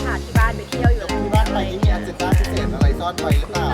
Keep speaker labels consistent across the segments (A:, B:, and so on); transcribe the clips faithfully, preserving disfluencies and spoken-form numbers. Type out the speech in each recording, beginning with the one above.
A: าที่บ้านไปเที่ยวอยู่แล้ว
B: ที่บ้านไปนี่มีอันเจนด้าพิเศษอะไรซ่อนไว้หรือเปล่า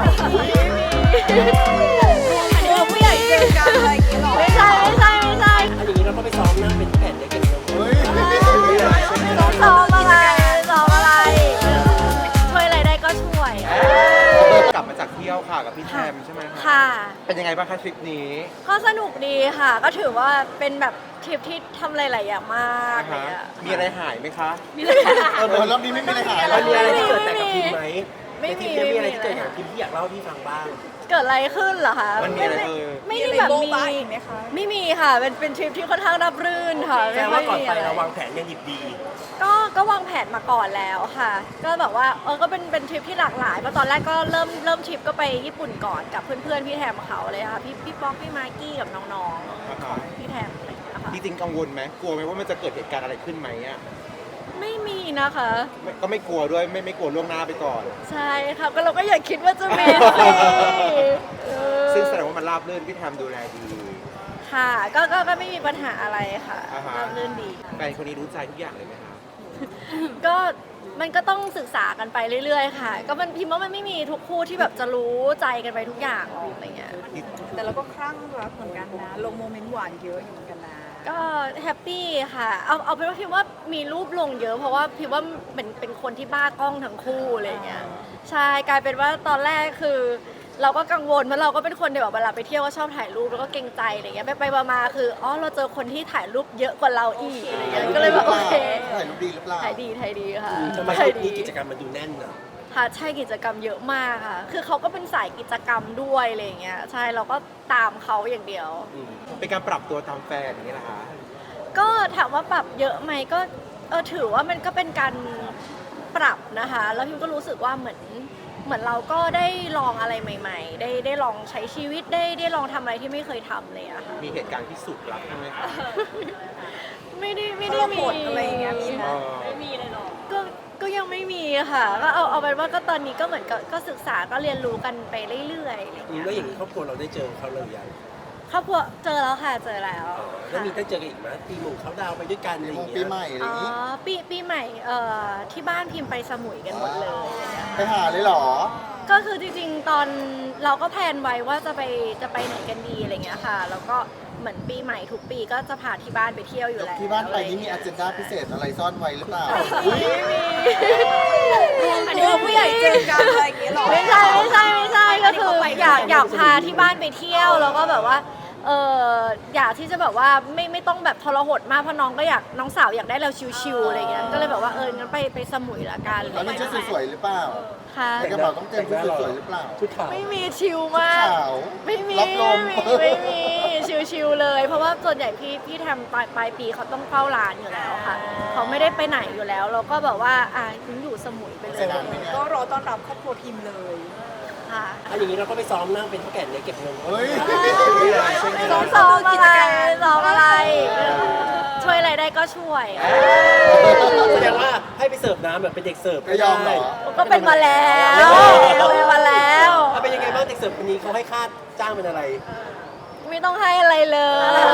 A: อันนี้ผู้ใหญ่เจอกันอะไรอย่างเงี้ยหรอไม่ใช่ไม่ใช่ไม่ใช่
C: อันอย่างนี้เราก็ไปซ้อมนะเป็นแผ่นเด็กเก็บเงิน
B: เฮ้ย
A: ซ้อมอะไรซ้อมอะไรช่วยอะไรได้ก็ช่วย
D: กลับมาจากเที่ยวค่ะกับพี่แทมใช่ไหมคะ
A: ค่ะ
D: เป็นยังไงบ้างคะทริปนี้
A: ก็สนุกดีค่ะ ก็ถือว่าเป็นแบบทริปที่ทำอะไรหลายอย่างมาก
D: อ่า
A: เลย
D: ฮะ
A: อะ
D: มีอะไรหายไหมคะ
B: เออรอบนี้ไม่มีอะไรหาย
C: มันมีอะไร
B: เลย
C: ที่เกิดแต่กับพิมไหม
A: ไม่
C: ในท
A: มี
C: ริปนี้มีอะไร
A: ไม่
C: ที่
A: มี
C: เกิดกับพิมที่อยากเล่าให้พี่ฟังบ้าง
A: เกิดอะไรขึ้นเหรอคะ
D: มันมีอะไรเออ
A: ไม่ได้แบบมีไม่มีค่ะ เป็นเป็นทริปที่ค่อนข้างราบรื่นค่ะ
C: แสดงว่าก่อนไป
A: ม่ค่ยมีะ
C: เราวางแผนกันดิบดี
A: ก็ก็วางแผนมาก่อนแล้วค่ะ ก็แบบว่าเออก็เป็นเป็นทริปที่หลากหลายเพราะตอนแรกก็เริ่มเริ่มทริปก็ไปญี่ปุ่นก่อนกับเพื่อนๆพี่แทมเขาเลยค่ะพี่พี่ป๊อกพี่มากกี้กับน้องๆของพี่แทมอะไรอย่างเงี้ยค่ะ
D: จริงๆกังวลไหมกลัวไหมว่ามันจะเกิดเหตุการณ์อะไรขึ้นไหมอ่ะ
A: ไม่มีนะคะ
D: ไม่ก็ไม่กลัวด้วยไม่ไม่กลัวล่วงหน้าไปก่อน
A: ใช่ค่ะก็เราก็อย่าคิดว่าจะมีสิเออ
D: ซึ่งแสดงว่ามันราบรื่นพี่แทมดูแลดี
A: ค่ะก็ก็ก็ไม่มีปัญหาอะไรค่ะ
D: อ่าฮะ
A: ราบรื่นดี
D: แฟนคนนี้รู้ใจทุกอย่างเลยไหมคะ
A: ก็มันก็ต้องศึกษากันไปเรื่อยๆค่ะ ก็มันพิมพ์ว่ามันไม่มีทุกคู่ที่แบบจะรู้ใจกันไปทุกอย่างหรอกอะไรเงี้ย
E: แต่เราก็คลั่งรักเหมือนกันนะ ลงโมเมนต์หวานเยอะอยู่เหมือนกันนะ
A: ก็แฮปปี้ค่ะ เอาเอาเป็นว่าพิมว่ามีรูปลงเยอะ เพราะว่าพิมว่าเป็นเป็นคนที่บ้ากล้องทั้งคู่อะไรเงี้ย ใช่กลายเป็นว่าตอนแรกคือ เราก็กังวลเพราะเราก็เป็นคนที่แบบเวลาไปเที่ยวก็ชอบถ่ายรูปแล้วก็เกรงใจอะไรเงี้ยไปไปมาๆคืออ๋อเราเจอคนที่ถ่ายรูปเยอะกว่าเราอีกอะไรเงี้ยก็เลยแบบโอเค
B: ถ่ายรูปดีหรือเปล่า
A: ถ่ายดีถ่ายดีค่ะ
C: ทำไมท
A: ถ่า
C: ริ
A: ย
C: ป
A: ดี
C: นี้กิจกรรมมันดูแน่นอะ
A: ค่ะใช่กิจกรรมเยอะมากค่ะ คือเขาก็เป็นสายกิจกรรมด้วยอะไรเงี้ยใช่เราก็ตามเขาอย่างเดียว
D: อืมเป็นการปรับตัวตามแฟนอย่างนี้แหละคะ
A: ก็ถามว่าปรับเยอะไหมก็เออถือว่ามันก็เป็นการปรับนะคะ แล้วพิมก็รู้สึกว่าเหมือนเหมือนเราก็ได้ลองอะไรใหม่ ๆ ได้ได้ลองใช้ชีวิตได้ได้ลองทำอะไรที่ไม่เคยทำเลยอะค่ะ
D: มีเหตุการณ์ที่สุดรักใช่ไหมคะ
A: ไม่ได้ไม่ได้มี
E: ทรหดอะไรอย่างเงี้ยมีไหม
D: เออ
A: ก็ก็ยังไม่มีค่ะก็เอาเอาเป็นว่าก็ตอนนี้ก็เหมือนกับก็ศึกษาก็เรียนรู้กันไปเรื่อยๆอะไร
C: อืม
A: เงี้ย
C: แล้วอย่างนี้ครอบครัวเราได้เจอเขาเลยยัง
A: ครอบครัวเจอแล้วค่ะเจอแล้ว
C: แล้วมี
A: ค่ะ
C: ได้เจอกันอีกไหมปีหมู่เขาดาวน์ไปด้วยกันอะไรอ
B: ม
C: ย่าง ง
B: ปี
C: เงี้ย
B: ใหม่อะไรอ
A: อ๋
B: ย่างนี้
A: อปีปีใหม่เอ่อที่บ้านพิมพ์ไปสมุยกันหมดเลย
B: ไปหาเลยเหรอ
A: ก็คือจริงๆ ตอนเราก็แพลนไว้ว่าจะไปจะไปไหนกันดีอะไรเงี้ยค่ะ แล้วก็เหมือนปีใหม่ทุกปีก็จะพาที่บ้านไปเที่ยวอยู่แล้ว
B: ที่บ้านไปนี่มีอันเจนด้าพิเศษอะไรซ่อนไว้หรือเปล่า
A: ไม่มี
E: อันนี้ผู้ใหญ่เจอกันอะไรอย่างเงี้ยหรอ
A: ไม่ใช่ไม่ใช่ไม่ใช่ก็คืออยากอยากพาที่บ้านไปเที่ยวแล้วก็แบบว่าเอออยากที่จะแบบว่าไม่ไม่ต้องแบบทรหดมากเพราะน้องก็อยากน้องสาวอยากได้เราชิวๆอะไรเงี้ยก็เลยแบบว่าเอองั้นไปไปสมุยละกัน
B: แล้วมีชุดสวยๆหรือเปล่า
A: ค่ะ
B: ในกระเป๋าต้องเตรียมชุดสวยๆหรือเปล่า
C: ชุดขาว
A: ไม่มีชิลมาก
B: ขาว
A: ไม่มี
B: รับลม
A: ไม่มีไม่มีชิลๆเลย เพราะว่าส่วนใหญ่พี่พี่ทำปลายปลายปีเขาต้องเฝ้าร้านอยู่แล้วค่ะ เขาไม่ได้ไปไหนอยู่แล้ว เราก็แบบว่าอ่ะคุณอยู่สมุยไปเล
B: เสี
A: ย
B: ยดายไหมเนี่ย
E: ก็รอต้อนรับครอบครัวพิมพ์เลย
A: ค่ะ
C: อันอย่างนี้เราก็ไปซ้อมนั่งเป็นเท่าแก่เด็กเก็บเงิน
B: เฮ้ย
A: ซ้อมซ้อมอะไรซ้อมอะไร ช่วยอะไรได้ก็ช่วย
C: แสดงว่าให้ไปเสิร์ฟน้ำแบบเป็นเด็กเสิร์ฟ
B: ก็ยอมเหรอ
A: ก็เป็นมาแล้วเป็นมาแล้ว
C: เอาเป็นยังไงบ้างเด็กเสิร์ฟคนนี้เขาให้ค่าจ้างเป็นอะไร
A: ไม่ต้องให้อะไรเลย